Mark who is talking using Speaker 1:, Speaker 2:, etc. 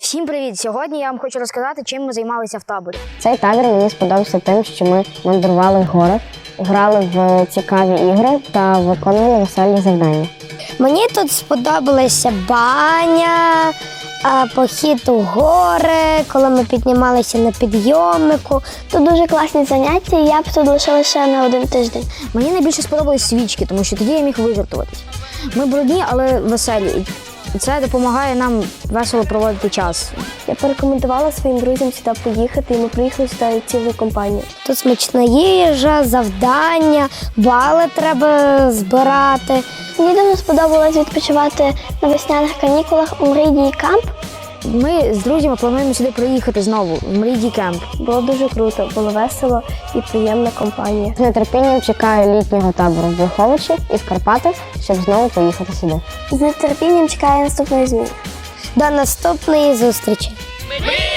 Speaker 1: Всім привіт! Сьогодні я вам хочу розказати, чим ми займалися в таборі.
Speaker 2: Цей табір мені сподобався тим, що ми мандрували в горах, грали в цікаві ігри та виконували веселі завдання.
Speaker 3: Мені тут сподобалася баня, похід у гори, коли ми піднімалися на підйомнику. Тут дуже класні заняття, і я б тут лишила ще на один тиждень.
Speaker 1: Мені найбільше сподобались свічки, тому що тоді я міг вижартуватись. Ми брудні, але веселі. І це допомагає нам весело проводити час.
Speaker 3: Я порекомендувала своїм друзям сюди поїхати, і ми приїхали сюди цілою компанією. Тут смачна їжа, завдання, бали треба збирати. Мені дуже сподобалось відпочивати на весняних канікулах у Мрійдій Камп.
Speaker 1: Ми з друзями плануємо сюди приїхати знову, в Мрійдій Кемп.
Speaker 3: Було дуже круто, було весело і приємна компанія.
Speaker 2: З нетерпінням чекаю літнього табору в Брюховичі і в Карпатах, щоб знову поїхати сюди.
Speaker 3: З нетерпінням чекаю наступної зміни. До наступної зустрічі!